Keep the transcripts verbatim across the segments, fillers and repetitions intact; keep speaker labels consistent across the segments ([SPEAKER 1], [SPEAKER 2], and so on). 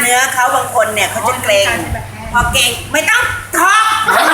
[SPEAKER 1] เนื้อเขาบางคนเนี่ยเขาจะเกรงพอเกรงไม่ต้องท้อง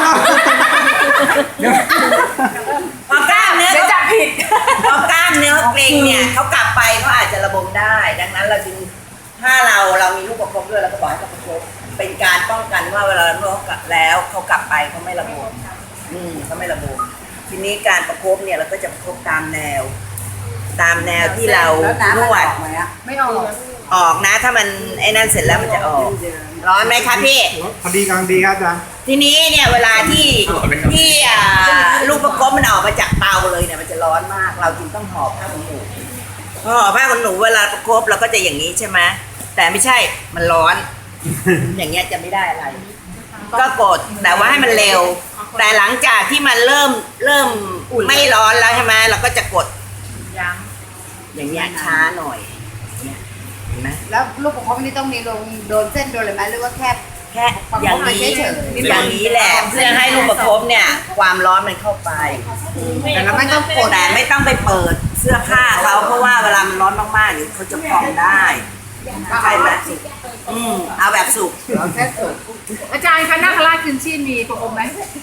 [SPEAKER 1] พอกล้ามเนื้อเขาจับผิดพอกล้ามเนื้อเกรงเนี่ยเขากลับไปเขาอาจจะระบมได้ดังนั้นเราจึงถ้าเราเรามีลูกประคบด้วยเราก็บอกให้เขาประคบเป็นการป้องกันว่าเวลาเรากลับแล้วเขากลับไปเขาไม่ระบมอืมเขาไม่ระบมทีนี้การประคบเนี่ยเราก็จะประคบตามแนวตามแนวที่เรานวด
[SPEAKER 2] ไม่ออก
[SPEAKER 1] ออกนะถ้ามันไอ้นั่นเสร็จแล้วมันจะออกร้อนไหมคะพี่
[SPEAKER 3] พอดีกำลังดีครับอาจารย์
[SPEAKER 1] ทีนี้เนี่ยเวลาที่ที่ลูกประคบมันออกมาจากเตาเลยเนี่ยมันจะร้อนมากเราจึงต้องห่อผ้าขนหนูพอห่อผ้าขนหนูเวลาประคบเราก็จะอย่างนี้ใช่ไหมแต่ไม่ใช่มันร้อน อย่างเงี้ยจะไม่ได้อะไรก็กดแต่ว่าให้มันเร็วแต่หลังจากที่มันเริ่มเริ่มไม่ร้อนแล้วใช่ไหมเราก็จะกด
[SPEAKER 2] ย้
[SPEAKER 1] ำอย่างเงี้ยช้าหน่อยเนี่ยเห็นไหม
[SPEAKER 2] แล้วลูกประคบนี่ต้องมีลงโดนเส้นโดนอะไรไหมหรือว่าแค่
[SPEAKER 1] แค่อย่างนี้อย่างนี้แหละเพื่อให้ลูกประคบเนี่ยความร้อนมันเข้าไป
[SPEAKER 2] แต่เราไม่ต้องกด
[SPEAKER 1] แต่ไม่ต้องไปเปิดเสื้อผ้าเขาเพราะว่าเวลามันร้อนมากๆเดี๋ยวเขาจะพองได้ใช่ไหมอืมเอาแบบสุก
[SPEAKER 2] แค่สุกอาจารย์คะนาคราชคืนชีพมีประคบไหม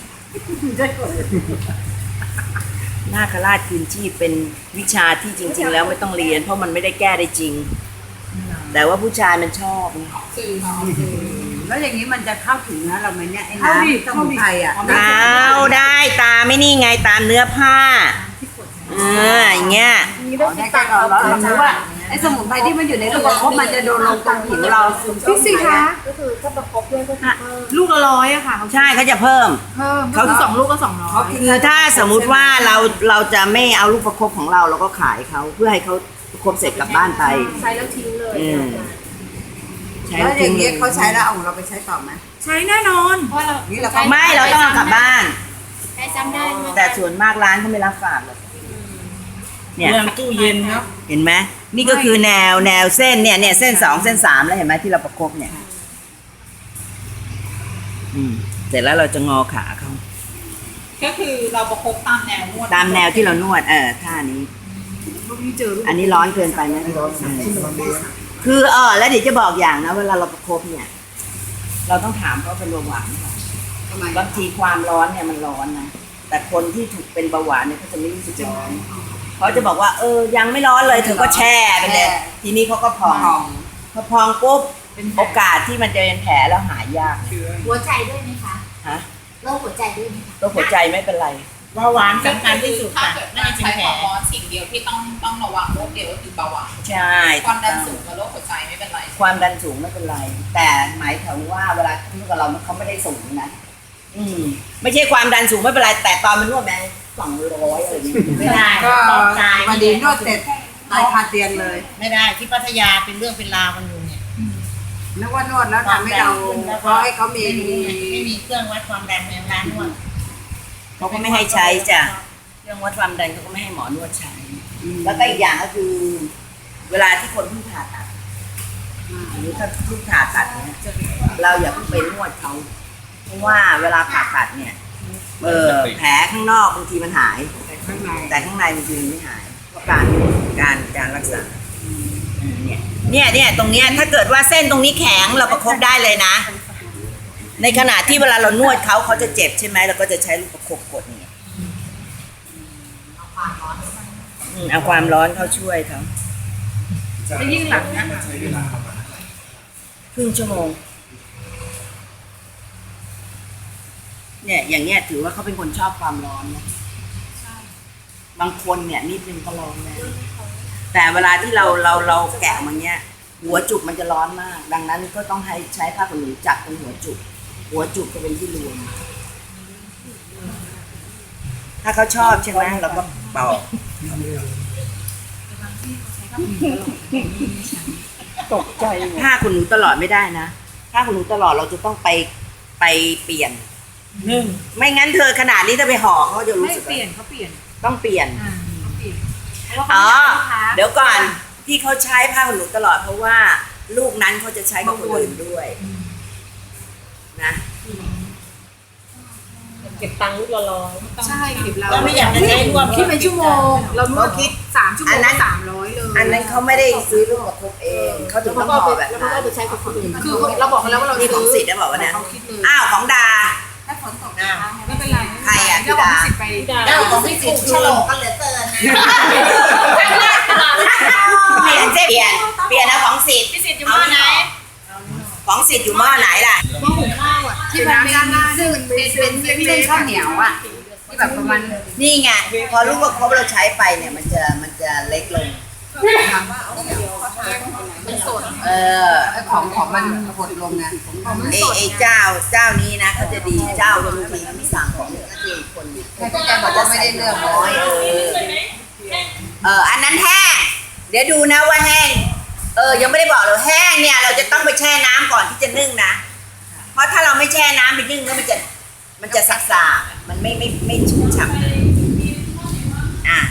[SPEAKER 1] นาคราชคืนชีพเป็นวิชาที่จริงๆแล้วไม่ต้องเรียนเพราะมันไม่ได้แก้ได้จริงแต่ว่าผู้ชายมันชอบ
[SPEAKER 2] แล้วอย่างนี้มันจะเข้าถึงนะเราไหมเนี่ยไอ้น้ำสมุนไพรอ่ะ
[SPEAKER 1] เอาได้ตาไม่นี่ไงตามเนื้อผ้าเอออย่างเงี้ย
[SPEAKER 2] ได้ก็เราเรารู้ว่าไอ้สมุนไพรที่มันอยู่ในลูกประคบมันจะโดนลงตรงผิวเราพี่สิคะก็คือถ้าประคบด้วยก็ลูกละร้อยอะค่ะ
[SPEAKER 1] ใช่เขาจะเพิ่ม
[SPEAKER 2] เพิ่มเขาสองลูกก็สองร้อย
[SPEAKER 1] คือถ้าสมมุติว่าเราเราจะไม่เอาลูกประคบของเราเราก็ขายเขาเพื่อให้เขาประคบเสร็จกลับบ้านไป
[SPEAKER 2] ใช้แล้วทิ้งเลย
[SPEAKER 1] แล้ว
[SPEAKER 2] อย่างเงี้ยเขาใช้แล้วเอาของเราไปใช้ต่อไหมใช้แน่นอนเพราะเรา
[SPEAKER 1] ไม่เราต้องเอากลับบ้าน
[SPEAKER 2] ใช้ซ้ำได้
[SPEAKER 1] แต่ส่วนมากร้านเขาไม่รับฝากเลย
[SPEAKER 3] เนี่ยตู้เย็นครับ
[SPEAKER 1] เห็นไหมนี่ก็คือแนวแนวเส้นเนี่ยเนี่ยเส้นสองเส้นสามแล้วเห็นไหมที่เราประคบเนี่ยอืมเสร็จแล้วเราจะงอขาเขา
[SPEAKER 4] ก็คือเราประคบตามแนวนวด
[SPEAKER 1] ตามแนวที่เรานวดเออท่านี้อันนี้ร้อนเกินไปไหมคือเออแล้วเดี๋ยวจะบอกอย่างนะเวลาเราประคบเนี่ย เราต้องถามเขาเป็นเบาหวานค่ะบางทีความร้อนเนี่ยมันร้อนนะแต่คนที่ถูกเป็นเบาหวานเนี่ยเขาจะไม่รู้สึกร้อนเขาจะบอกว่าเออยังไม่ร้อนเลยเธอก็แช่ไปเลยทีนี้เขาก็พองพอพองปุ๊บโอกาสที่มันจะเป็นแผลแล้วหายยาก
[SPEAKER 2] หัวใจด้วยไหมคะ
[SPEAKER 1] ฮะ
[SPEAKER 2] โรคหัวใจด้วยไหม
[SPEAKER 1] โรคหัวใจไม่เป็นไร
[SPEAKER 4] เบาหวานสำคัญที่สุดค่ะถ้าเกิดใช้ความร้อนสิ่งเดียวที่ต้องต้องระวังโรคเดียวก็คือเบาหวาน
[SPEAKER 1] ใช่
[SPEAKER 4] ความดันสูงกับโรคหัวใจไม่เป็นไร
[SPEAKER 1] ความดันสูงไม่เป็นไรแต่หมายถึงว่าเวลาที่กับเราเขาไม่ได้สูงนะอืมไม่ใช่ความดันสูงไม่เป็นไรแต่ตอนมันนวดแม่สองร้อยอะไรอย่างเงี้ยไม่ได้
[SPEAKER 2] ก็มาดีนวดเสร็จตายคาเตียงเลย
[SPEAKER 4] ไม่ได้ที่พัทยาเป็นเรื่องเป็นราวกันอยู่เนี่ย
[SPEAKER 2] นึกว่านวดแล้วทำให้เราเพราะให้เขามี
[SPEAKER 4] ไม่มีเครื่องวัดความดันในร้านนวด
[SPEAKER 1] เขาก็ไม่ให้ใช้จ้ะเครื่องวัดความดันเขาก็ไม่ให้หมอนวดใช้แล้วก็อีกอย่างก็คือเวลาที่คนเพิ่งผ่าตัดหรือถ้าเพิ่งผ่าตัดเนี่ยเราอย่าเพิ่งไปนวดเขาเพราะว่าเวลาผ่าตัดเนี่ยเออแผลข้างนอกบางทีมันหายแต่ข้างในบางทีไม่หายเพราะการการการรักษาเนี่ยเนี่ยเนี่ยตรงเนี้ยถ้าเกิดว่าเส้นตรงนี้แข็งเราประคบได้เลยนะในขณะที่เวลาเรานวดเขาเขาจะเจ็บใช่ไหมเราก็จะใช้ลูกประคบกดเนี่ยเอาความร้อนเขาช่วยเขา
[SPEAKER 2] จะยิ่งหลังนะ
[SPEAKER 1] ครึ่งชั่วโมงเนี่ยอย่างเงี้ยถือว่าเขาเป็นคนชอบความร้อนนะบางคนเนี่ยนิดนึงก็ร้อนนะแต่เวลาที่เราเราเราแกะมันเนี้ยหัวจุกมันจะร้อนมากดังนั้นก็ต้องให้ใช้ผ้าขนหนูจับตรงหัวจุกหัวจุกจะเป็นที่รวมถ้าเขาชอบใช่ไหมเราก็เป่าตกใจผ้าขนหนูตลอดไม่ได้นะผ้าขนหนูตลอดเราจะต้องไปไปเปลี่ยน
[SPEAKER 4] หนึ่ง
[SPEAKER 1] ไม่งั้นเธอขนาดนี้ถ้าไปห่อเขาจะรู้สึก
[SPEAKER 2] เปลี่ยนเขาเปลี่ยน
[SPEAKER 1] ต้องเปลี่ยนอ๋อเดี๋ยวก่อนที่เขาใช้ผ้าขนหนูตลอดเพราะว่าลูกนั้นเขาจะใช้กับคนอื่นด้วยนะ
[SPEAKER 5] เก็บตังค์ลูกละร้อย
[SPEAKER 2] ใช่คลิปเรา
[SPEAKER 1] เราไม่อยากจะใช้รวม
[SPEAKER 2] คิดเป็นชั่วโมง เรานวด
[SPEAKER 1] เขาคิด
[SPEAKER 2] สามชั่วโม
[SPEAKER 1] อั
[SPEAKER 2] ง
[SPEAKER 1] นนั้น
[SPEAKER 2] สามร้อยเลย
[SPEAKER 1] อันนั้นเขาไม่ได้ซื้อลูกประคบเองเขาถึงต้องห่อแบบ
[SPEAKER 5] แล้วก็
[SPEAKER 1] นั้น
[SPEAKER 5] เอาไปใช้กับคนอื่น
[SPEAKER 2] คือเราบอกเขาแล้วว่าเรา
[SPEAKER 1] นี่
[SPEAKER 2] ซื้
[SPEAKER 1] ของสิทธิ์นะบอกว่าเนี่ย
[SPEAKER 2] เขาคิดเลย
[SPEAKER 1] อ้าวของดา
[SPEAKER 2] ถ้าฝนตกนะคะไม่เป็นไร
[SPEAKER 1] ใครอะ
[SPEAKER 2] เจ้าของสิทธิ์ไป
[SPEAKER 1] เจ้าของสิทธิ์ฉลองกันเหลือเกินเปลี่ยนเปลี่ยนเปลี่ยนนะของสิทธิ์
[SPEAKER 4] พี่สิทธิ์อยู่บ้านไหน
[SPEAKER 1] ของสิทธิ์อยู่หม้อไหนล่ะ
[SPEAKER 2] ที่มันเป็นซึ่งเป็นเป็นเป็นเส้นข้าวเหนียวอ่ะที่แบบประมาณ
[SPEAKER 1] นี่ไงพอลูกประคบเราใช้ไปเนี่ยมันจะมันจะเล็กลง
[SPEAKER 2] มันสด
[SPEAKER 1] เออ
[SPEAKER 2] ของของมันหดลงไงของมัน
[SPEAKER 1] ไอ้
[SPEAKER 2] สด
[SPEAKER 1] ไอ้เจ้าเจ้านี้นะเขาจะดีเจ้าบางทีเขาไม่สั่งของก็คือคน
[SPEAKER 2] แต่พี่แกบอกว่าไม่ได้เลือกน้อย
[SPEAKER 1] เออเอออันนั้นแห้งเดี๋ยวดูนะว่าแห้งเออยังไม่ได้บอกเลยแห้งเนี่ยเราจะต้องไปแช่น้ำก่อนที่จะนึ่งนะเพราะถ้าเราไม่แช่น้ำไปนึ่งแล้วมันจะมันจะสักๆมันไม่ไม่ไม่ชุ่มฉ่ำอ่ะ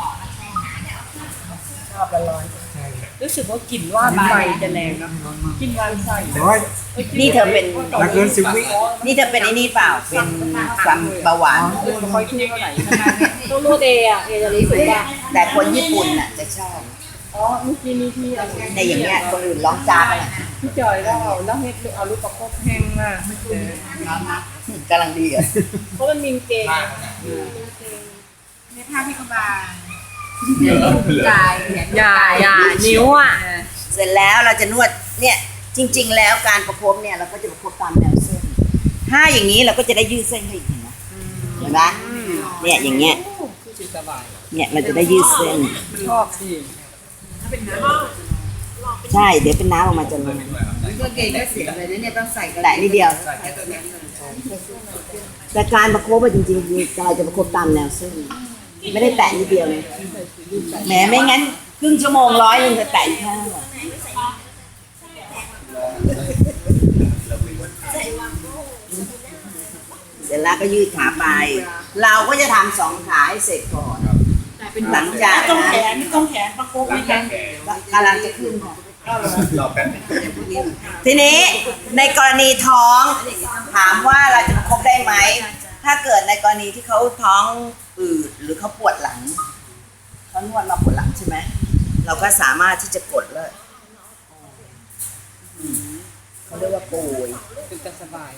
[SPEAKER 1] ชอบร้อน
[SPEAKER 5] รู้สึกว่ากลิ่นว่านไฟจะแรงนะกลิ่นว่านไฟ
[SPEAKER 3] ร้อย
[SPEAKER 1] ๆนี่เธอเป็น
[SPEAKER 3] ถ้าเกินสิบวิ
[SPEAKER 1] นี่เธอเป็นไอ้นี่เปล่าเป็นความเบาหวาน
[SPEAKER 5] คอยทุ่งเท่าไหร่ต้องนวดเออะเอจะรู้สึกว่า
[SPEAKER 1] แต่คนญี่ปุ่นน่ะจะชอบ
[SPEAKER 5] อ๋อเมื่อกี้นี้ที่เอา
[SPEAKER 1] ในอย่างเงี้ยคนอื่นร้องจ้ากันน่ะ
[SPEAKER 5] พี่จอยแล้วเอาแล้วเฮ็ดเอาลูกประคบแห้งมาก
[SPEAKER 1] กำลังดีอ่ะ
[SPEAKER 5] เพราะมันมีเกง
[SPEAKER 2] ในท่าที่เขาบางกายเนี่ย
[SPEAKER 5] อย่าอย่านิ้วอ่ะ
[SPEAKER 1] เสร็จแล้วเราจะนวดเนี่ยจริง ๆ แล้วการประคบเนี่ยเราก็จะประคบตามแนวเส้นถ้าอย่างนี้เราก็จะได้ยืดเส้นให้อีกเห็นไหมเห็นไหมเนี่ยอย่างเงี้ยเนี่ยเราจะได้ยืดเส้น
[SPEAKER 5] ชอบสิ
[SPEAKER 1] ใช่เดี๋ยวเป็นน้ำออกมาจะลง
[SPEAKER 2] ก็เก่งก็เสียเลยนะเนี่ยต้องใส่กัน
[SPEAKER 1] แต่นิดเดียว แต่การประคบอะจริงๆคือกายจะประคบตามแนวเส้นไม่ได้แตะนิดเดียวเลยแหมไม่งั้นครึ่งชั่วโมงร้อยหนึงจะแตะอีกแค่ไหนเสร็จแล้วก็ยืดขาไป เราก็จะทำสองขาให้เสร็จก่อนหลังจาก
[SPEAKER 5] ต้องแขนไม่ต้องแขนประคบไม่แขน
[SPEAKER 1] กำลังจะขึ้นค่ะทีนี้ในกรณีท้องถามว่าเราจะประคบได้ไหมถ้าเกิดในกรณีที่เขาท้องอืดหรือเขาปวดหลังเขานวดมาปวดหลังใช่ไหมเราก็สามารถที่จะกดเลยอืมเขาเรียกว่าโกย
[SPEAKER 5] เป็นจะสบาย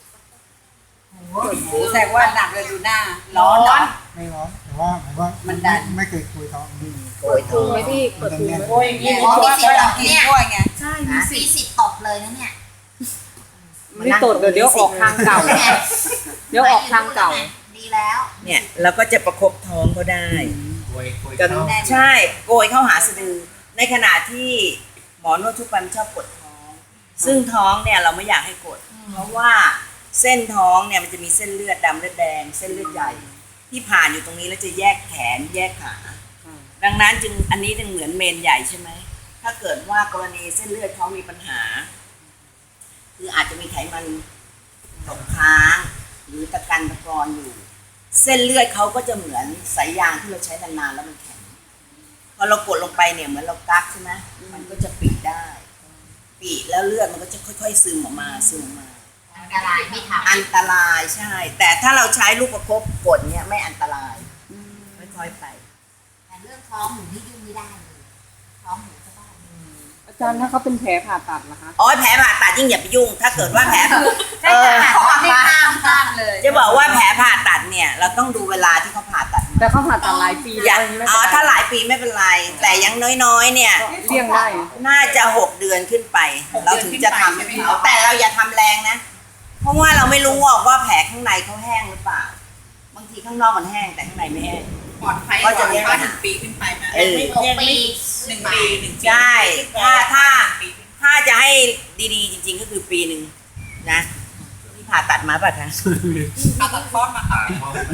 [SPEAKER 2] แสดงว่าหนักเลยดูหน้าร้อนเนาะ
[SPEAKER 3] ไม่ร้อนแต่ว่าผมว่ามันไม่เคยคุยท้องดี
[SPEAKER 1] โกยท้อง
[SPEAKER 5] ไม่ที่กดถูโอ้ยอย่างนี้
[SPEAKER 2] เพราะว่าเรากินด้วยไง
[SPEAKER 4] ใช่มีสิทธิ์ตกเลยนะเนี่ย
[SPEAKER 5] ไม่ตดเดี๋ยวเดี๋ยวออกทางเก่า เดี๋ยวออกทางเก่า
[SPEAKER 4] ดีแล้ว
[SPEAKER 1] เนี่ยเราก็จะประคบท้องเขาได้
[SPEAKER 3] คุยคุย
[SPEAKER 1] กับ
[SPEAKER 3] ท้อง
[SPEAKER 1] ใช่โกยเข้าหาสะดือในขณะที่หมอนวดทุกวันชอบกดท้อง ซึ่งท้องเนี่ยเราไม่อยากให้กด เพราะว่าเส้นท้องเนี่ยมันจะมีเส้นเลือดดำเลือดแดง เส้นเลือดใหญ่ ที่ผ่านอยู่ตรงนี้แล้วจะแยกแขนแยกขา ดังนั้นจึงอันนี้จึงเหมือนเมนใหญ่ใช่ไหมถ้าเกิดว่ากรณีเส้นเลือดท้องมีปัญหา คืออาจจะมีไขมันตกค้างหรือตะกันตะกอนอยู่ เส้นเลือดเขาก็จะเหมือนสายยางที่เราใช้นานๆแล้วมันแข็งพอเรากดลงไปเนี่ยเหมือนเรากักใช่ไหมมันก็จะปีได้ ปีแล้วเลือดมันก็จะค่อยๆซึมออกมาซึมออกมา
[SPEAKER 4] อันตรายไม่ทำ
[SPEAKER 1] อันตรายใช่ แต่ถ้าเราใช้ลูกประคบกดเนี่ยไม่อันตรายค่อยๆไป
[SPEAKER 4] แต่เรื่องท้องหนูนี่ยุ่งไม่ได้เลยท้องหนูสบาย
[SPEAKER 5] อาจารย์ถ้าเขาเป็นแผลผ่าตัดล่ะคะ
[SPEAKER 1] อ๋อแผลผ่าตัดยิ่งอย่าไปยุ่ง ถ้าเกิดว่าแผลเออ
[SPEAKER 2] ไม่ห้ามห้ามเลย
[SPEAKER 1] จะบอกว่าแผลผ่าตัดเนี่ยเราต้องดูเวลาที่เขาผ่าตัด
[SPEAKER 5] แต่เขาผ่าตัดหลายปี
[SPEAKER 1] อ
[SPEAKER 5] แล้
[SPEAKER 1] ย่าว
[SPEAKER 5] ไม่
[SPEAKER 1] อ๋อ
[SPEAKER 5] เป็นไร
[SPEAKER 1] ถ้าหลายปีไม่เป็นไร แต่อยังน้อยๆเนี่ย
[SPEAKER 5] เลี่ยงได้
[SPEAKER 1] น่าจะหกเดือนขึ้นไป เราถึงจะทำให้เขาแต่เราอย่าทำแรงนะ เพราะว่าเราไม่รู้ว่าแผลข้างในเขาแห้งหรือเปล่า บางทีข้างนอกมันแห้งแต่ข้างในไม่แห้ง
[SPEAKER 4] ปลอดภัย
[SPEAKER 1] ก็จะเรียกว่า
[SPEAKER 4] หนึ่งปีขึ้นไปไหม
[SPEAKER 1] เออ
[SPEAKER 4] หกปีหนึ่งปีหนึ่งปี
[SPEAKER 1] ใช่ถ้าถ้าถ้าจะให้ดีๆ จริง ๆ ก็คือปีหนึ่งนะที่ผ่าตัดมาป่ะคะ
[SPEAKER 4] เอาตัดคลอดมาค่ะ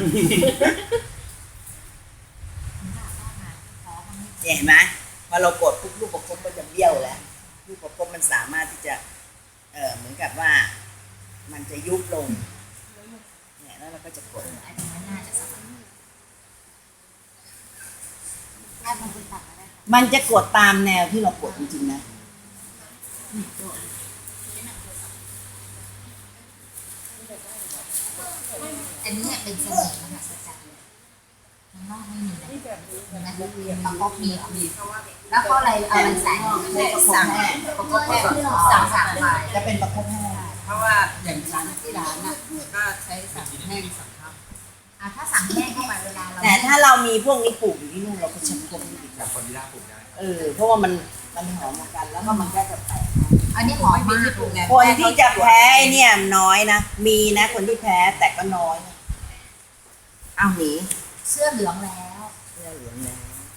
[SPEAKER 1] เห็นไหมพอเรากดปุ๊บลูกประคบก็จะเบี้ยวแล้วลูกประคบมันสามารถที่จะเออเหมือนกับว่า มันจะยุบลงเนี่ยแล้วเราก็จะกด
[SPEAKER 4] อันนี้น่าจะสบายถ้ามันเป็นตัดอะไร
[SPEAKER 1] มันจะกดตามแนวที่เรากดจริงๆนะ
[SPEAKER 6] อันนี้เป็นเสน่ห์มหัศจรรย์เลยข้างนอกไม่มีนะนะประคบมีเหรอมีแล้วก็อะไรอะไรใส่สั่งประคบแห้งสั่งสั่งไป
[SPEAKER 1] จะเป็นประคบแห้ง
[SPEAKER 2] เพราะว่าอย่างร้านที่ร้านน่ะก็ใช้สั่งแห้งสั่งครับ
[SPEAKER 6] อ่ะถ้าสั่งแห้งเข้าไปเวลาเรา
[SPEAKER 1] แต่ถ้าเรามีพวกนี้ปลูกอยู่ที่นู่นเราก็ใช้ประคบดีกว่า
[SPEAKER 7] คนที่ได้ปลูกได้
[SPEAKER 1] เออเพราะว่ามันมันหอมเหมือนกันแล้วก็มันก็จะแตก
[SPEAKER 6] อันนี้หอมมาก
[SPEAKER 1] คนที่จะแพ้เนี่ยน้อยนะมีนะคนที่แพ้แต่ก็น้อยนะเอาหนี
[SPEAKER 6] เสื้อเหลืองแล้ว
[SPEAKER 1] เสื้อเหลืองแล้ว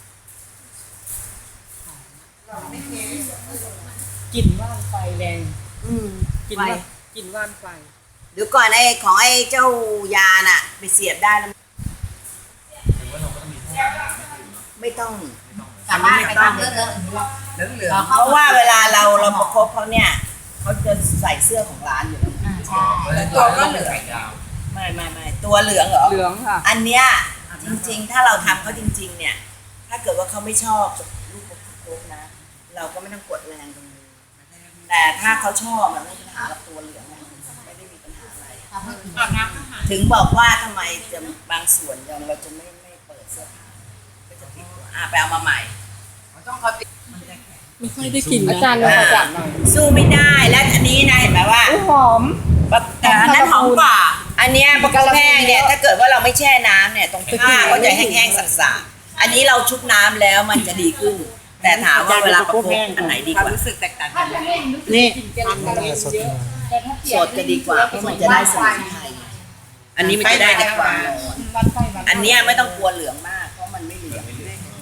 [SPEAKER 5] กลิ่นว่านไฟแรง
[SPEAKER 1] อืม
[SPEAKER 5] กลิ่น
[SPEAKER 1] ไฟ
[SPEAKER 5] ว่านกลิ่นว่านไฟ
[SPEAKER 1] เดี๋ยวก่อนไอ้ของไอ้เจ้ายาน่ะ ไปเสียบได้แล้ว
[SPEAKER 7] ถึงว่าเราก็ต้องมีห้องน้ำไม่ถึงเนาะ
[SPEAKER 1] ไม่ต้อง
[SPEAKER 6] สามารถไปทำเลอะๆอย่างนี้แหละ
[SPEAKER 2] เหลืองเหลือง
[SPEAKER 1] เพราะว่าเวลาเราเราประคบเขาเนี่ยเขาจะใส่เสื้อของร้านอยู่แล้ว
[SPEAKER 6] อ่าใช่
[SPEAKER 7] ตัวก็เหลือไข่ดาว
[SPEAKER 1] ไม่ไม่ไม่ตัวเหลืองเหรอ
[SPEAKER 5] เหลืองค่ะ
[SPEAKER 1] อันเนี้ยจริงๆ ถ้าเราทำเขาจริง ๆ เนี่ย ถ้าเกิดว่าเขาไม่ชอบลูกประคบนะ เราก็ไม่ต้องกดแรงตรงนี้แต่ถ้าเขาชอบมันไม่มีปัญหากับตัวเหลืองนะไม่ได้มีปัญหาอะไร
[SPEAKER 6] ทำให้ผิว
[SPEAKER 4] อาบน้ำอาหาร
[SPEAKER 1] ถึงบอกว่าทำไมจะบางส่วนยังเราจะไม่ไม่เปิดเสื้อผ้าก็จะปิดตัวอ่ะไปเอามาใหม่
[SPEAKER 2] ต้องเขาติด
[SPEAKER 5] ไม่ค่อยได้กลิ่นอาจารย์เลยอาจารย์หน่อย
[SPEAKER 1] สู้ไม่ได้และอันนี้นะเห็นไหมว่า
[SPEAKER 5] หอม
[SPEAKER 1] แต่อันนั้นหอมกว่า อันเนี้ยประคบแห้งเนี่ยถ้าเกิดว่าเราไม่แช่น้ำเนี่ยตรงผ้าก็จะแห้งๆสักๆอันนี้เราชุบน้ำแล้วมันจะดีขึ้น แต่ถามว่าเวลาประคบอันไหนดี
[SPEAKER 2] ควาก ม
[SPEAKER 1] ว่า
[SPEAKER 2] รู้สึกแตกต่างกัน
[SPEAKER 5] นี่
[SPEAKER 3] สดเลย
[SPEAKER 1] สดจะดีกว่าเพราะมันจะได้สมุนไพรอันนี้มันจะได้แต่ความร้อนอันเนี้ยไม่ต้องกลัวเหลืองมากเพราะมันไม่เหลือง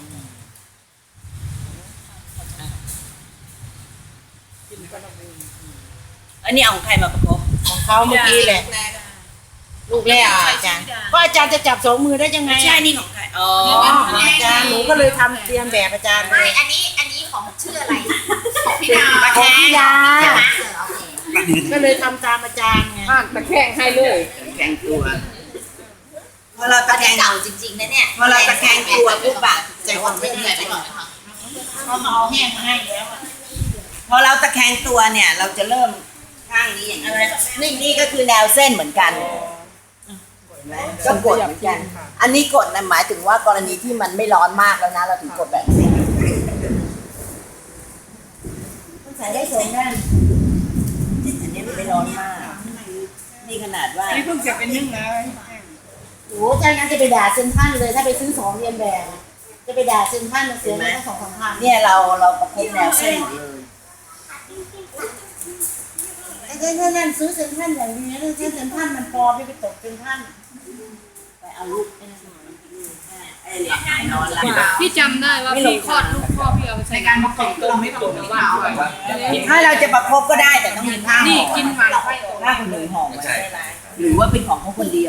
[SPEAKER 1] อันนี้เอาของใครมาประคบ
[SPEAKER 2] ของเขาเมื่อกี้แหละ ลูกแรกอ่ะอาจารย์ก็อาจารย์จะจับสองมือได้ยังไง
[SPEAKER 1] ไม่ใช่นี่ของใครอ๋อ
[SPEAKER 2] อาจารย์หนูก็เลยทำเตรียมแบบอาจารย์ไป
[SPEAKER 6] ไม่อันนี้อันนี้ของชื่ออะไรของพี่ดาว
[SPEAKER 1] ตะแคง
[SPEAKER 2] ยา
[SPEAKER 6] ใช่ไหมเออโอเค
[SPEAKER 2] ก็เลยทำตามอาจารย์ไง
[SPEAKER 5] อ่านตะแคงให้เลย
[SPEAKER 1] แข็งตัวพอเราตะ
[SPEAKER 6] อัน
[SPEAKER 1] แค
[SPEAKER 6] นี้
[SPEAKER 1] ง
[SPEAKER 6] เก่าจริงๆนะเนี่ย
[SPEAKER 1] พอเราตะแคงตัวปุ๊บอะ
[SPEAKER 6] ใจความไม่ดีไปก่อนนะคะ
[SPEAKER 4] เขามาเอาแห้งมาให้แล้วอะ
[SPEAKER 1] พอเราตะแคงตัวเนี่ย เราจะเริ่มข้างนี้อย่างนี้นี่นี่ก็คือแนวเส้นเหมือนกันเห็นไหมก็กดเหมือนกัน อันนี้กดนะหมายถึงว่ากรณีที่มันไม่ร้อนมากแล้วนะ เราถึงกดแบบนี้ต้องใส่ได้สองด้านอันนี้มันไม่ร้อนมาก นี่ขนาดว่า
[SPEAKER 2] นี่เพิ่งจะเป็นนึ่งนะ
[SPEAKER 6] โอ้อาจารย์งั้นจะไปด่าเซนทรันเลยถ้าไปซื้อสองเรียนแบบจะไปด่าเซนทรันเสียเงินตั้งสองสามพัน
[SPEAKER 1] เนี่ยเราเราประคบแนวเส้นหมดเลย
[SPEAKER 6] ไอ้เจ้านั่นซื้อเซนทรันอย่างดีนะซื้อเซนทรันมันปลอมไม่ไปตกเซนทรัน
[SPEAKER 1] ไปเอาลูกไอ้นั่นมาไอ้หลับนอนหลับ
[SPEAKER 5] พี่จำได้ว่าพี่คลอดลูกพ่อพี่เอาไป
[SPEAKER 4] ใน
[SPEAKER 5] ใช้
[SPEAKER 4] การประกอบเราไม่ตรงกับเราอะ
[SPEAKER 1] ถ้าเราจะประคบก็ได้แต่ต้องมีผ้าห่อ
[SPEAKER 4] นี่กินหวานไฟ
[SPEAKER 1] ผ้าคนหนึ่งห่อไว้ให้ร้านหรือว่าเป็นของเขาคนเดียว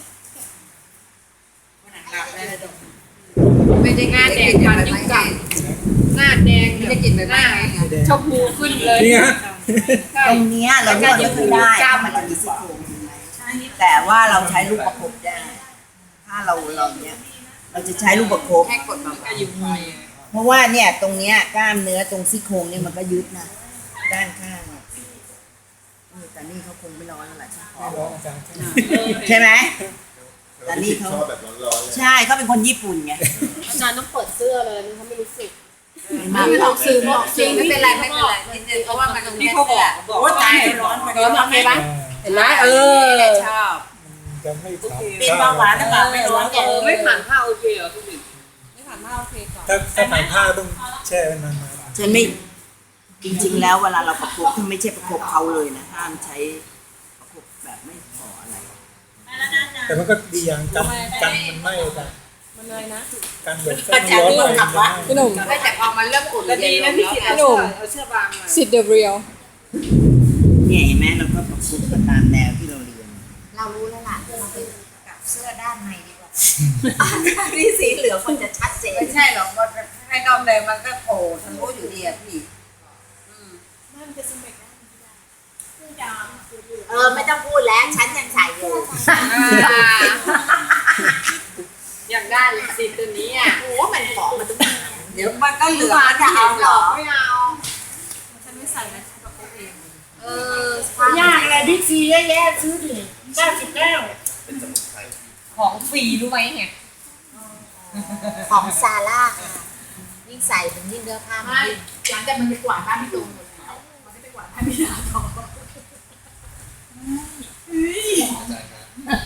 [SPEAKER 5] ไม่ได้หน้าแดงฟันยิ่งจับหน้าแดงเนี่ยหน้าชมพูขึ้นเลย
[SPEAKER 3] นี่ฮะ
[SPEAKER 1] ตรงเนี้ยเรานวดไม่ค่อยได้เพราะมันจะมีซี่โครงแต่ว่าเราใช้ลูกประคบได้ ถ้าเราเราเนี้ยเราจะใช้ลูกประคบ
[SPEAKER 2] แค่กดมาก็ยิ้มไป
[SPEAKER 1] เพราะว่าเนี่ยตรงเนี้ยกล้ามเนื้อตรงซี่โครงเนี่ยมันก็ยึดนะด้านข้างอะเออแต่นี่เขาคงไม่ร้อนแล้วล่ะใช่ไหม
[SPEAKER 3] ร้อนอาจารย์
[SPEAKER 1] ใช่ไหมแต่นี่เขา
[SPEAKER 7] ชอบแบบร้อนๆเลย
[SPEAKER 1] ใช่เขาเป็นคนญี่ปุ่นไง
[SPEAKER 5] อาจารย์ต้องเปิดเสื้อเลยนี่เขาไม่รู้สึก
[SPEAKER 1] ไม่ต้องซื้อ
[SPEAKER 2] จริงไม่เป็นไรไม่เป็นไรนิดนึงเพราะว่ามันตรงนี้เขาบอกบอกว่าตายร้อนไป
[SPEAKER 5] ร้อนโอเคปะเห็นไหมเออ
[SPEAKER 2] ชอบ
[SPEAKER 3] จะไม่ขาว
[SPEAKER 1] เป็นเบาหวานหรือเปล่าไม่ร้อน
[SPEAKER 5] เออไม่ผ่านผ้าโอเคเหรอคุณหญิง
[SPEAKER 3] ถ้าถ้าผ่านผ้าต้องแช่ไว้นาน
[SPEAKER 1] ฉันไม่จริงๆแล้วเวลาเราประคบถ้าไม่ใช่ประคบเขาเลยนะห้ามใช้ประคบแบบไม่ขออะไร
[SPEAKER 3] ๆแต่มันก็ดีอย่างกันกันมันไหม้อาจารย์
[SPEAKER 5] มันเลยนะ
[SPEAKER 3] กันแบบมันร้อนไปมันไหม้
[SPEAKER 5] พี่หนุ่ม
[SPEAKER 2] ได้แต่พอมันเริ่มอุ่น
[SPEAKER 5] ดีนะพี่คิด
[SPEAKER 2] เอา
[SPEAKER 5] หนุ่ม
[SPEAKER 2] เอาเชือกบางมา
[SPEAKER 5] สิทธิ์เดอะเรียล
[SPEAKER 1] เนี่ยเห็นไหมเราก็ประคบกันตามแนวที่เราเรียน
[SPEAKER 6] เรารู้แล้วล่ะเราไปกับเสื้อด้านในดีกว่านี่สีเหลืองมันจะชัดเจน
[SPEAKER 2] ไม่ใช่หรอกมันให้นอกเลยมันก็โผล่ทะลุอยู่ดีอะพี่
[SPEAKER 6] เออไม่ต้องพูดแล้วฉันยังใส่อยู่
[SPEAKER 5] อยากได้สิทธิ์ตัวนี้อ่ะ
[SPEAKER 6] โอ้มันหอมมันต้อง
[SPEAKER 2] เดี๋ยวมันก็เหลือมันจะเอาเหรอ
[SPEAKER 5] ไม่เอา
[SPEAKER 6] เออยากอะไรบิ๊กซีเยอะแยะซื้อดิ
[SPEAKER 5] เก้าสิบเก้า
[SPEAKER 7] เป็นสมุนไพร
[SPEAKER 5] ของฟรีรู้ไหมเนี่ย
[SPEAKER 6] ของซาร่าค่ะยิ่งใส่เป็นยิ่งเนื้อผ้ามัน
[SPEAKER 4] ไม่
[SPEAKER 6] ยิ่ง
[SPEAKER 4] หลังจากมันไปกวาดบ้านพี่ตูนหมดแล้วมันไม่ไปกวาดบ้านพี่ดาต่อ
[SPEAKER 7] อาจารย์ครับ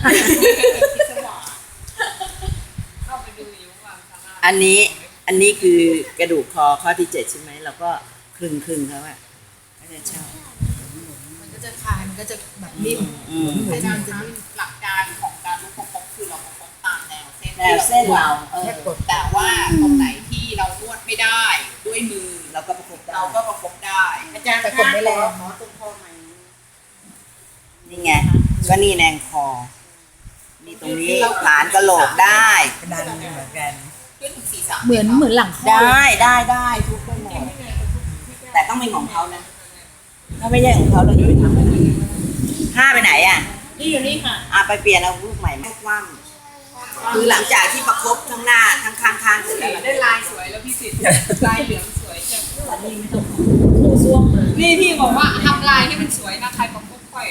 [SPEAKER 5] เข้าไปดูอยู่ว่าซาร่า
[SPEAKER 1] อันนี้อันนี้คือกระดูกคอข้อที่เจ็ดใช่ไหมเราก็คลึงคลึงๆเขาอะก็จะชอบ
[SPEAKER 6] มันก็จะคลายมันก็จะแบบนิ่ม
[SPEAKER 1] อืม
[SPEAKER 4] อาจารย์คะหลักการของการลูกประคบคือเราประคบตามแนวเส้น
[SPEAKER 1] แนวเส้นเราเออ
[SPEAKER 6] แค่กด
[SPEAKER 4] แต่ว่าตรงไหนที่เรานวดไม่ได้ด้วยมือ
[SPEAKER 1] เราก็ประกบได้
[SPEAKER 4] เราก็ประคบได้
[SPEAKER 5] อาจารย์
[SPEAKER 6] แต่กดไม่แรง
[SPEAKER 5] หมอตรงคอไหม
[SPEAKER 1] นี่ไงก็นี่แนงคอนี่ตรงนี้ฐานกระโหลกได้ดันเหมือนกัน
[SPEAKER 4] ขึ้นถึงศีรษะ
[SPEAKER 6] เหมือนเหมือนหลังคอ
[SPEAKER 1] ได้ได้ได้ทุกไปหมดแต่ต้องเป็นของเขานะถ้าไม่ใช่ของเขาเราจะไปทำอะไรห้าไปไหนอ่ะ
[SPEAKER 5] นี่อยู่นี่ค่ะ
[SPEAKER 1] อ่ะไปเปลี่ยนเอาลูกใหม่ไม่คว่ำคือหลังจากที่ประคบทั้งหน้าทั้งข้างข้างๆเสร็จแล้วเรา
[SPEAKER 5] ได้ลายสวยแล้วพี่สิทธิ์ลายเหลืองสวยจังนี่พี่บอกว่าทำลายให้มันสวยนะใครประกบค่อย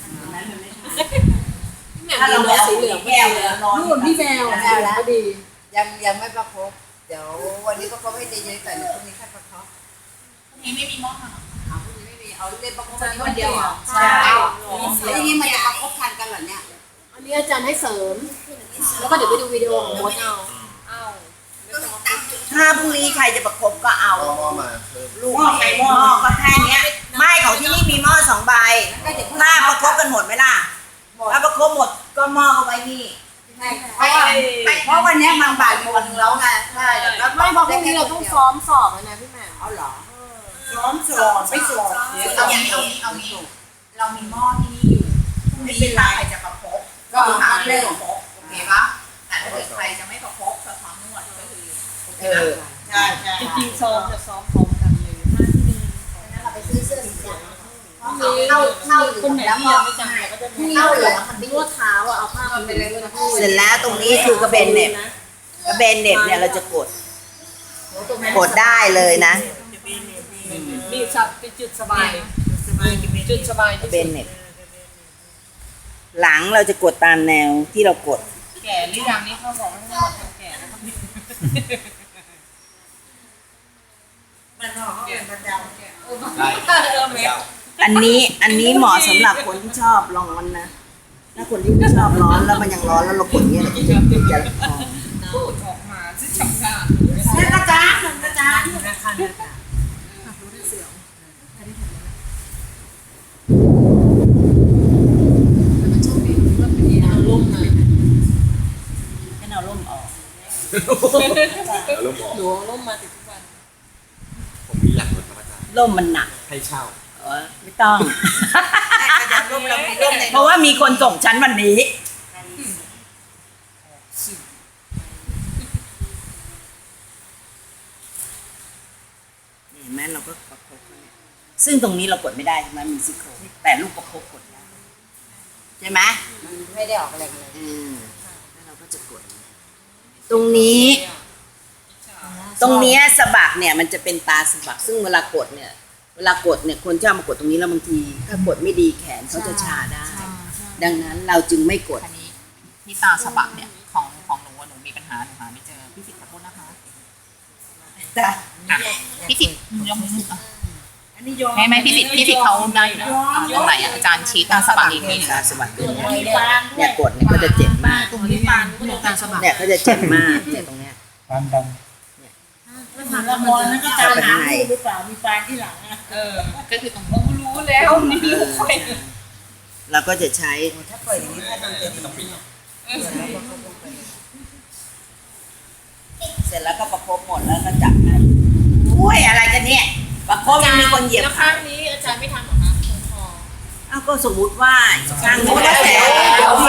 [SPEAKER 1] ถ้าเราไม่เอาสีเหลืองแก้วเลยนอน
[SPEAKER 5] นู่นพี่แมว
[SPEAKER 6] แมวแล้ว
[SPEAKER 5] ดี
[SPEAKER 6] ยังยังไม่ประคบเดี๋ยววันนี้ก็ประคบให้เยอะๆแต่เดี๋ยวพรุ่งนี้แค่ประคบ
[SPEAKER 4] นี้ไม่มีหม้อหา
[SPEAKER 6] เอาพรุ่งนี้ไม่มีเอาเล่นประคบวันนี้วันเดียวเหรอ
[SPEAKER 1] ใช่
[SPEAKER 6] แล้วอย่างนี้มันจะประคบทันกันเหรอเนี่ย
[SPEAKER 5] อันนี้อาจารย์ให้เสริม แล้วก็เดี๋ยวไปดูวิดีโอของมดเอา
[SPEAKER 1] ถ้าพรุ่งนี้ใครจะประคบก็เอา
[SPEAKER 7] เอาหม้อมาเพิ่ม
[SPEAKER 1] ลูกใครหม้อก็แค่เนี้ยไม่ของที่นี่มีหม้อสองใบถ้าประคบกันหมดไหมล่ะถ้าประคบหมดก็หม้อเอาไว้นี่
[SPEAKER 6] เพราะว่าเพราะวันนี้มันบ่ายโมงแล้วไงใช่แล้ว
[SPEAKER 5] ไม่เพราะพรุ่งนี้เราต้องซ้อมสอบแล้วนะพี่แม่
[SPEAKER 6] เอาเหรอ
[SPEAKER 1] ซ้อมสอบไม่สอบ
[SPEAKER 4] เอาอย่างนี้เอานี้เอานี้เรามีหม้อที่นี่อยู่พรุ่งนี้ถ้าใครจะประคบก็หาเรื่องประคบโอเคปะแต่ถ้าเกิดใครจะไม่ประคบสะท้อนนวดก็คือโอเค
[SPEAKER 1] เอ
[SPEAKER 4] ปะ
[SPEAKER 1] อใช่ใช่
[SPEAKER 5] จริงๆซ้อมจะซ้อมพร้อมกันเลย
[SPEAKER 6] เราไปซื้อเสื้อสีดำ
[SPEAKER 5] เข้า
[SPEAKER 6] เข้าเข้าเหลื
[SPEAKER 5] คน
[SPEAKER 6] อง
[SPEAKER 5] ไหน
[SPEAKER 6] แล้ว
[SPEAKER 5] ที่
[SPEAKER 6] ก็
[SPEAKER 5] ยังไม่จำเราก็จะมี
[SPEAKER 6] เข้าเหลืองมัน
[SPEAKER 5] นวดเท้าอ่ะเอาผ้ามันไปเลยนะ
[SPEAKER 1] เสร็จแล้วตรงนี้คือกระเบนเหน็บกระเบนเหน็บเนี่ยเราจะกดกดได้เลยนะ
[SPEAKER 5] นี่สับเป็นจุดสบายจุดสบาย
[SPEAKER 1] กระ
[SPEAKER 5] ที่
[SPEAKER 1] เบ
[SPEAKER 5] สุ
[SPEAKER 1] น
[SPEAKER 5] ด
[SPEAKER 1] เหน็บหลังเราจะกดตามแนวที่เรากด
[SPEAKER 5] แก่หรือยังนี่เขาบอกให้นวดคนแก่นะครับ
[SPEAKER 1] มันหอมมันด
[SPEAKER 7] ได้
[SPEAKER 5] เออแม่
[SPEAKER 7] เจ้า
[SPEAKER 1] อันนี้อันนี้เหมาะสำหรับคนที่ชอบร้อนนะ ถ้าคนที่ไม่ชอบร้อนแล้วมันยังร้อนแล้วเรากดเนี้ยเราจะจะพอ
[SPEAKER 5] พูดออกมาซึ่งชำนาญ
[SPEAKER 1] แล้วก็จ้าก็จ้า
[SPEAKER 5] เอาล่มมา
[SPEAKER 1] ให้เราร่มออก
[SPEAKER 7] แล้วร่มบอก
[SPEAKER 5] หนูเอาล่มมาติดทุกวัน
[SPEAKER 7] ผมมีหลักรถครับอาจารย์
[SPEAKER 1] ร่มมันหนัก
[SPEAKER 7] ให้เช่า
[SPEAKER 1] เออไม่ต้อง เพราะว่ามีคนส่งฉันวันนี้ เห็นไหมเราก็ประคบเขาเนี่ยซึ่งตรงนี้เรากดไม่ได้ใช่ไหมมีซี่โครงแต่ลูกประคบกดได้ใช่ไหม
[SPEAKER 6] ไม่ได้ออกอะไรกันเลย
[SPEAKER 1] อืมแล้วเราก็จะกด ตรงนี้ ตรงเนี้ยสะบักเนี่ยมันจะเป็นตาสะบัก ซึ่งเวลากดเนี่ย เวลากดเนี่ยคนชอบมากดตรงนี้แล้วบางที ถ้ากดไม่ดีแขนเขาจะชาได้ ดังนั้นเราจึงไม่กด
[SPEAKER 4] อันนี้ที่ตาสะบักเนี่ยของของหนูอะหนูมีปัญหาหนูหาไม่เจอพี่สิทธิ์ขอโทษนะคะ
[SPEAKER 1] จ้ะ
[SPEAKER 4] อ่ะพี่สิทธิ์ยกมือขึ้นอ่ะไม่ไม่พี่สิทธิ์พี่สิทธิ์เขาได้อยู่นะอ่ะตรงไหนอ่ะอาจารย์ชี้ตาสะบักอีกทีหนึง
[SPEAKER 1] ตาสะบักขึ้นเนี่ยกดเนี่ยเขาจะเจ็บมาก
[SPEAKER 5] ตรงนี้ปานก็ตาสะบัก
[SPEAKER 1] เนี่ยเขาจะเจ็บมากเนี่ยตรงเนี้ย
[SPEAKER 3] ความดัน
[SPEAKER 5] ละมอนนั้นก็ตาหนาหรือเปล่ามีปานที่หลังอ่ะเออก็คือตรงนี้รู้แล้วนี่รู้ไป
[SPEAKER 1] เราก็จะใช้
[SPEAKER 6] ถ้าเปิดอย่างนี้ถ้ามันจะดี
[SPEAKER 1] เสร็จแล้วก็ประคบหมดแล้วก็จับให้อุ้ยอะไรกันเนี่ย ประคบยังมีคนเหยียบ
[SPEAKER 5] แล้วข้างนี้อาจารย์ไม่ทำหรอคะตรงคอ
[SPEAKER 1] เอ้าก็สมมุติว่าช่างนู้นแล้วแต่โอเค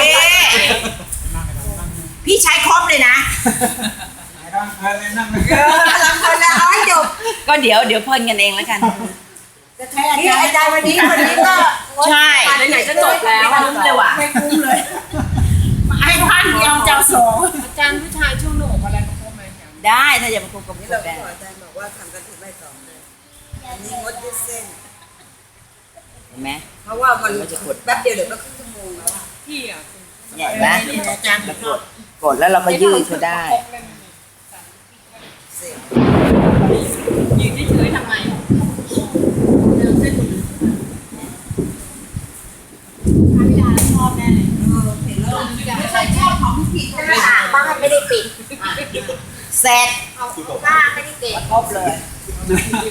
[SPEAKER 1] พี่ใช้ครบเลยนะ
[SPEAKER 3] ร่างกายเลยนั่งเลย
[SPEAKER 1] ลังคนละร้อยจบก็เดี๋ยวเดี๋ยวเพิ่นกันเองแล้วกัน
[SPEAKER 6] จะใช้อาจารย์อาจารย์วันนี้วันนี้ก็
[SPEAKER 1] ใช่
[SPEAKER 5] ไหนๆจะจบแล้ว
[SPEAKER 1] คุ้มเลยว่ะ
[SPEAKER 5] ไม่คุ้มเลยไอ้พันเดียวเจ้าสองอาจารย์ผู้ชายช่วงหนูอะไรก็พบไหม
[SPEAKER 1] ได้ถ้าจะประคบกับ
[SPEAKER 6] นี่
[SPEAKER 1] พว
[SPEAKER 6] เรา
[SPEAKER 1] กได้
[SPEAKER 6] ขออาจารย์บอกว่าทำกันถึงใบสองเลยอันนี้งดยืดเส้น
[SPEAKER 1] เห็นไหม
[SPEAKER 6] เพราะว่ามันแป๊บเดียวเดี๋ยวก็ครึ่งชั่วโมงแล้วอะ
[SPEAKER 5] ที่อ่ะ
[SPEAKER 1] เนี่ยเห็นไหม
[SPEAKER 5] อาจารย์
[SPEAKER 1] แล้วกดกดแล้วเราก็ยืดเขาได้
[SPEAKER 5] ยืนเฉยๆทำไมเดินเส้น
[SPEAKER 2] ชอบแน่เลย
[SPEAKER 4] ไม่ใช่ชอบของผิด
[SPEAKER 6] หน้าต่างบ้านไม่ได้ปิด
[SPEAKER 1] เสร็จ
[SPEAKER 6] บ้านไม่ได้ปิด
[SPEAKER 1] ครบเลย